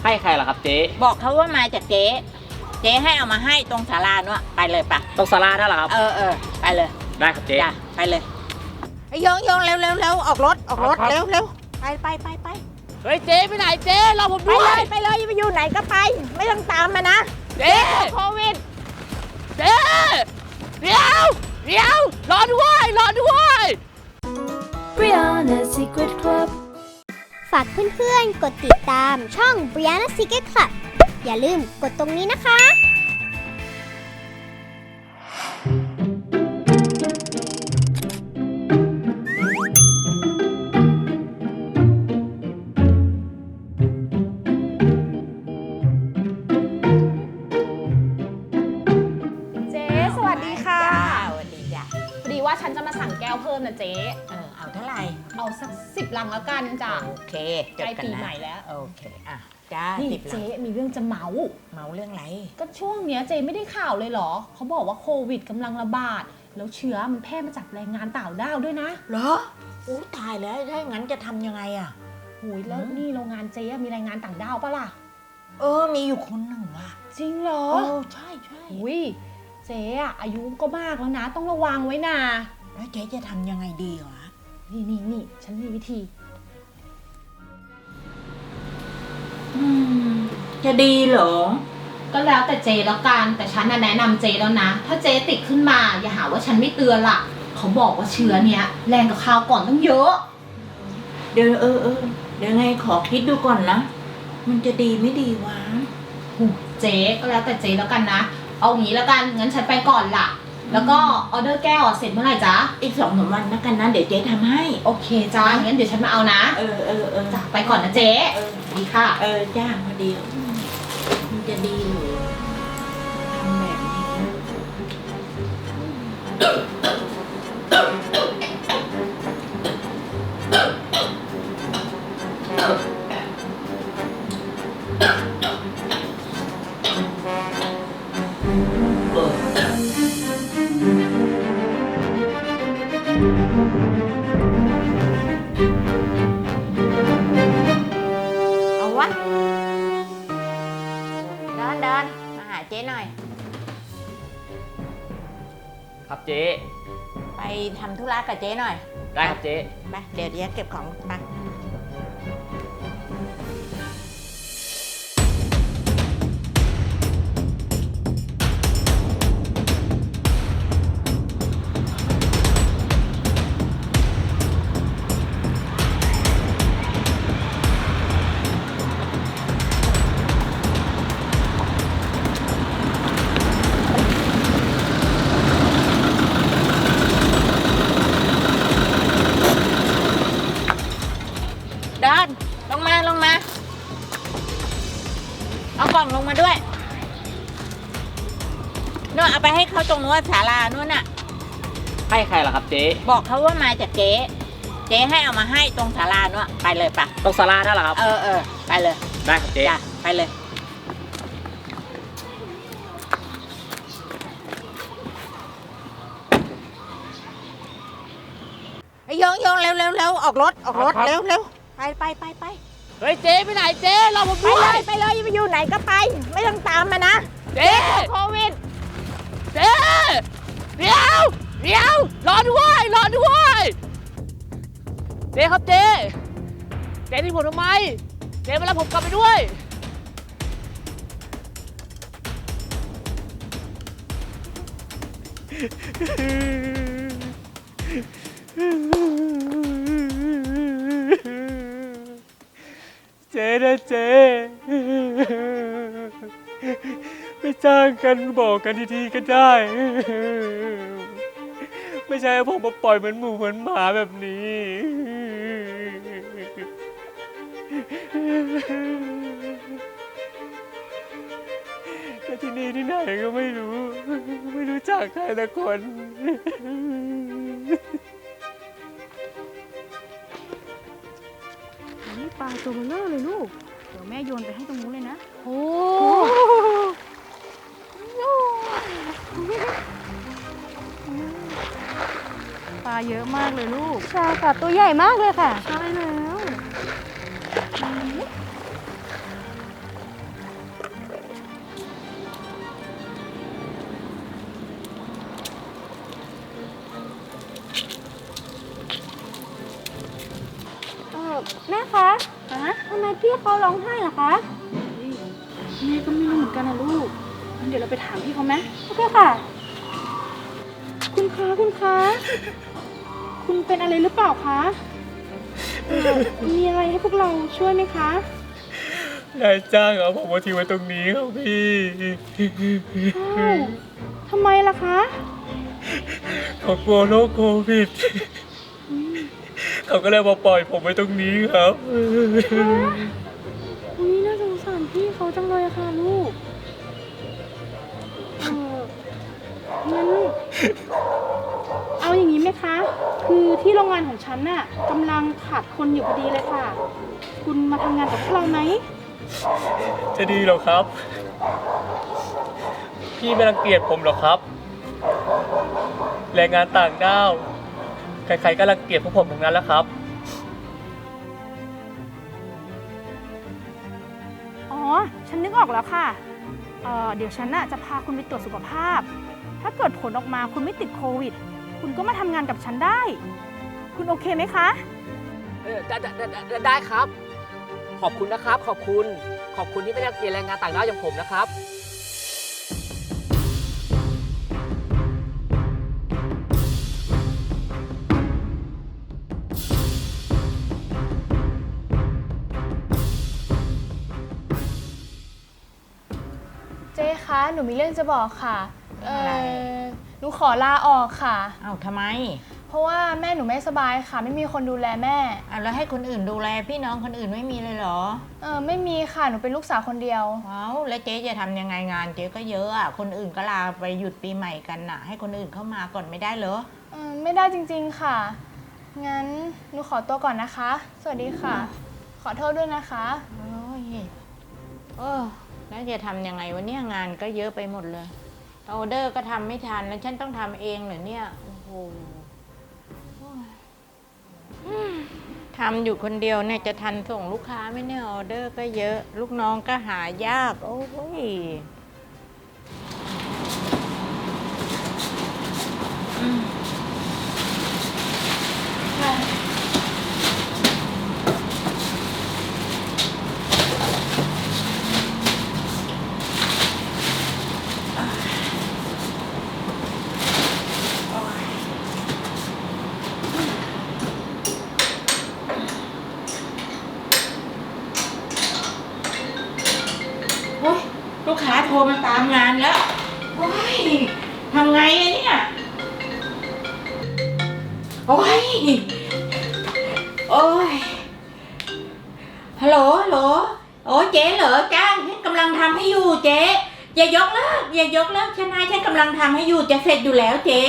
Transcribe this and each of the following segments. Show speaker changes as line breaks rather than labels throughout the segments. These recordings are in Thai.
ให้ใครล่ะครับเจ๊
บอกเขาว่ามาจากเจ๊ให้เอามาให้ตรงศาลาเนาะไปเลยปะ
ตรงศาลานั่นเหรอครับ
ไปเลย
ได้ครับเจ๊
ไปเลยโยงเร็วออกรถเร็วไป
เฮ้ยเจ๊ไปไหนเจ๊รอผมด้วย
ไปเลยไปอยู่ไหนก็ไปไม่ต้องตามมานะ
เจ๊
โควิด
เจ๊เดี๋ยวรอด้วย
Brianna Secret Club
ฝากเพื่อนๆกดติดตามช่อง Brianna Secret Club อย่าลืมกดตรงนี้นะคะ
เจ๊สวัสดีค่ะ
สวัสดีจ้ะ
พอดีว่าฉันจะมาสั่งแก้วเพิ่มนะเจ๊
เอาเท่าไหร่
เอาสัก10 ลังแล้วกันจ้ะ
โอเค
ใกล้ปีใหม่แล้ว
โอเคจ้า
นี่เจ๊มีเรื่องจะเมา
เรื่องอะไร
ก็ช่วงเนี้ยเจ๊ไม่ได้ข่าวเลยเหรอเขาบอกว่าโควิดกำลังระบาดแล้วเชื้อมันแพร่มาจากแรงงานต่างด้าวด้วยนะ
เหรอตายแล้วถ้าอย่างนั้นจะทำยังไงอ่ะ
หูยแล้วนี่โรงงานเจ๊มีแรงงานต่างด้าวปะล่ะ
มีอยู่คนหนึ่งอ่ะ
จริงเหรอ
ใช่
อุ้ยเจ๊อายุก็มากแล้วนะต้องระวังไว้นะ
แล้วเจ๊จะทำยังไงดีวะ
นี่ฉันมีวิธี
จะดีเหรอ
ก็แล้วแต่เจแล้วกันแต่ฉันแนะนำเจแล้วนะถ้าเจติดขึ้นมาอย่าหาว่าฉันไม่เตือนล่ะเขาบอกว่าเชื้อเนี้ยแรงกับคราวก่อนต้องเยอะ
เดี๋ยวเดี๋ยวไงขอคิดดูก่อนนะมันจะดีไม่ดีวะ
เจก็แล้วแต่เจแล้วกันนะเอางี้แล้วกันงั้นฉันไปก่อนล่ะแล้วก็ออเดอร์แก้วเสร็จเมื่อไหร่จ๊ะ
อีก2-3 วันแล้วกันนะเดี๋ยวเจ๊ทำให้
โอเคจ้างั้นเดี๋ยวฉันมาเอานะจ้ะไปก่อนนะเจ๊ดีค่ะ
จ้าพอดีมันจะดีหรือทำแบบนี้เอาวะเดินมาหาเจ๊หน่อย
ครับเจ๊
ไปทำธุระกับเจ๊หน่อย
ได้ครับเจ๊
ไปเดี๋ยวเก็บของไปเดินลงมาเอากล่องลงมาด้วยนู่นเอาไปให้เขาตรงนู้นศาลานู่นน่ะ
ให้ใครล่ะครับเจ๊
บอกเขาว่ามาจากเจ๊ให้เอามาให้ตรงศาลานู่นไปเลยปะ
ตรงศาลานั่นเหรอครับ
ไปเลย
ได้ครับเจ๊
ไปเลยโยงเร็วออกรถเร็วไป
เฮ้ยเจ๊ไปไหนเจ๊รอผมด้วย
ไปเลยไปอยู่ไหนก็ไปไม่ต้องตามมานะ
เจ๊
โควิด
เจ๊เดี๋ยวรอด้วยเจ๊ครับเจ๊ที่ผมทำไมเจ๊มารับผมกลับไปด้วยเจ๊นะเจ๊ไม่จ้างกันบอกกันทีๆก็ได้ไม่ใช่ผมมาปล่อยเหมือนหมูเหมือนหมาแบบนี้แต่ที่นี่ที่ไหนก็ไม่รู้จักใครแต่คน
นี่ปลาตัวเบลอเลยลูกเดี๋ยวแม่โยนไปให้ตรงนู้นเลยนะโอ้ปลาเยอะมากเลยลูก
ใช่ค่ะตัวใหญ่มากเลยค่ะ
ใช่แล้วแม่คะทำไมพี่เขาร้องไห้ล่ะคะแม่ก็ไม่รู้เหมือนกันนะลูกงั้นเดี๋ยวเราไปถามพี่เขาไหมโอเคค่ะ คุณคะคุณเป็นอะไรหรือเปล่าคะมีอะไรให้พวกเราช่วยไหมคะ
นายจ้างเอาผมมาทิ้งไว้ตรงนี้ครับพี่
อ้าวทำไมล่ะคะ
เขากลัวโรคโควิด เขาก็เลยมาปล่อยผมไว้ตรงนี้ครับ
อุ้ยน่าสงสารพี่เขาจังเลยอะค่ะลูกงั้นเอาอย่างนี้ไหมคะ คือที่โรงงานของฉันน่ะกำลังขาดคนอยู่พอดีเลยค่ะ คุณมาทำงานกับพวกเราไหม
จะดีเหรอครับ พี่ไม่รังเกียจผมหรอครับ แรงงานต่างด้าวใครๆก็รังเกียจพวกผมทั้งนั้นแล้วครับ
อ๋อ ฉันนึกออกแล้วค่ะ เดี๋ยวฉันน่ะจะพาคุณไปตรวจสุขภาพ ถ้าเกิดผลออกมาคุณไม่ติดโควิด คุณก็มาทำงานกับฉันได้ คุณโอเคไหมคะ
ได้ครับ ขอบคุณนะครับ ขอบคุณที่ไม่ได้เกลียดแรงงานต่างด้าวอย่างผมนะครับ
เจ๊คะ หนูมีเรื่องจะบอกค่ะ หนูขอลาออกค่ะ
เอ้าทำไม
เพราะว่าแม่หนูไม่สบายค่ะ ไม่มีคนดูแลแม่
แล้วให้คนอื่นดูแลพี่น้องคนอื่นไม่มีเลยเหรอ
ไม่มีค่ะ หนูเป็นลูกสาวคนเดียว
เอ้าแล้วเจ๊จะทำยังไงงานเจ๊ก็เยอะอ่ะคนอื่นก็ลาไปหยุดปีใหม่กันน่ะ ให้คนอื่นเข้ามาก่อนไม่ได้เหรอ
ไม่ได้จริงๆค่ะ งั้นหนูขอตัวก่อนนะคะ สวัสดีค่ะ ขอโทษด้วยนะคะ
โอ้ยแล้วจะทำยังไงวะเนี่ยงานก็เยอะไปหมดเลยออเดอร์ก็ทำไม่ทันแล้วฉันต้องทำเองเหรอเนี่ยโอ้โหทำอยู่คนเดียวเนี่ยจะทันส่งลูกค้าไหมเนี่ยออเดอร์ก็เยอะลูกน้องก็หายากโอ้ยลูกค้าโทรมาตามงานแล้วโอ้ยทำไงอะเนี่ยโอ้ยฮัลโหลโอ้เจ๊เหรอจ้างฉันกำลังทำให้อยู่เจ๊อย่ายกเลิกฉันฉันกำลังทำให้อยู่จะเสร็จอยู่แล้วเจ๊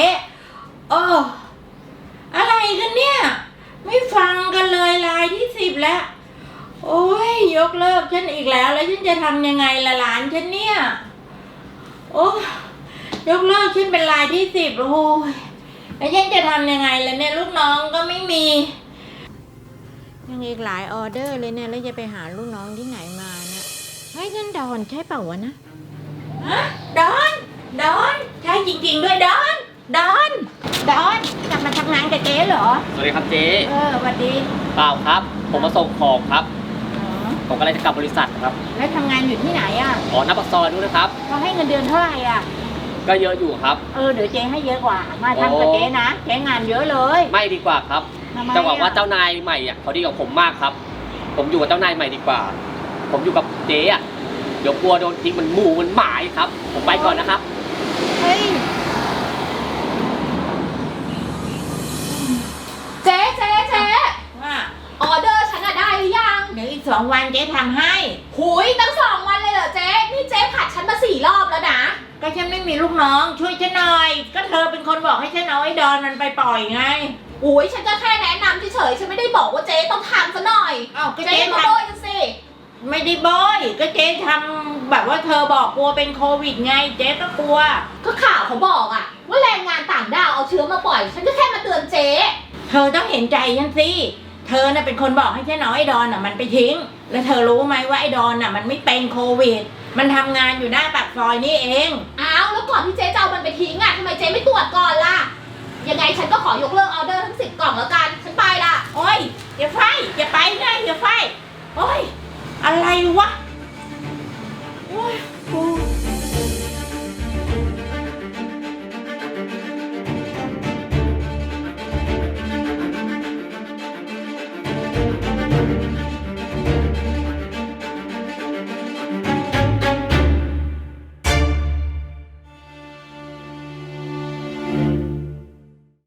อะไรกันเนี่ยไม่ฟังกันเลยรายที่10แล้วโอ้ยยกเลิกฉันอีกแล้วฉันจะทำยังไงล่ะหลานฉันเนี่ยโอ้ยกเลิกฉันเป็นรายที่10โอ้ยแล้วฉันจะทำยังไงล่ะเนี่ยลูกน้องก็ไม่มียังอีกหลายออเดอร์เลยเนี่ยแล้วจะไปหาลูกน้องที่ไหนมาเนี่ยเฮ้ยนั่นดอนใช่เปล่าวะนะฮะดอนใช่จริงๆด้วยดอนกลับมาทำงานกับเจ๊เหรอ
สวัสดีครับเจ๊
สวัสดี
เปล่าครับ ผมมาส่งของครับ ผมกำลังจะกลับบริษัทครับ
แล้วทำงานอยู่ที่ไหนอ่ะ
หน้าปากซอยนู้นนะครับ
เขาให้เงินเดือนเท่าไหร่อ่ะ
ก็เยอะอยู่ครับ
เดี๋ยวเจ๊ให้เยอะกว่า มาทำกับเจ๊นะเจ๊งานเยอะเลย
ไม่ดีกว่าครับ
ทำไม
จะบอกว่าเจ้านายใหม่เขาดีกว่าผมมากครับ ผมอยู่กับเจ้านายใหม่ดีกว่า ผมอยู่กับเจ๊เดี๋ยวกลัวโดนทิ้งมันหมู่มันหมายครับ ผมไปก่อนนะครับ
เฮ้ย
เจ๊
ว่า
ออเดอร์ฉันอะได้หรือยัง
เดี๋ยวอีก2 วันเจ๊ทำให้
หุยตั้ง2 วันเลยเหรอเจ๊ นี่เจ๊ผัดฉันมา4 รอบแล้วนะ
ก็ฉันไม่มีลูกน้องช่วยฉันหน่อย ก็เธอเป็นคนบอกให้ฉันเอาไอ้ดอนมันไปปล่อยไง
อุ้ยฉันก็แค่แนะนำเฉยๆฉันไม่ได้บอกว่าเจ๊ต้องทำซะหน่อย
อ้าวก็
เจ๊
เจ๊
มา
ท
โบยกันสิ
ำไม่ได้บอยก็เจ๊ทำแบบว่าเธอบอกกลัวเป็นโควิดไง เจ๊ก็กลัว
ก็ข่าวเขาบอกอะว่าแรงงานต่างด้าวเอาเชื้อมาปล่อย ฉันก็แค่มาเตือนเจ๊
เธอต้องเห็นใจฉันสิ เธอน่ะเป็นคนบอกให้ฉันเอาไอ้ดอนน่ะมันไปทิ้ง แล้วเธอรู้ไหมว่าไอ้ดอนน่ะมันไม่เป็นโควิด มันทำงานอยู่หน้าปากซอยนี่เอง
อ้าวแล้วก่อนที่เจ๊จะเอามันไปทิ้งอะทำไมเจ๊ไม่ตรวจก่อนล่ะ ยังไงฉันก็ขอยกเลิกออเดอร์ทั้ง10 กล่องแล้วกัน ฉันไปละ
โโอ้ยอย่าไฟอย่าไปนะอย่าไฟโอ้ยอะไรวะ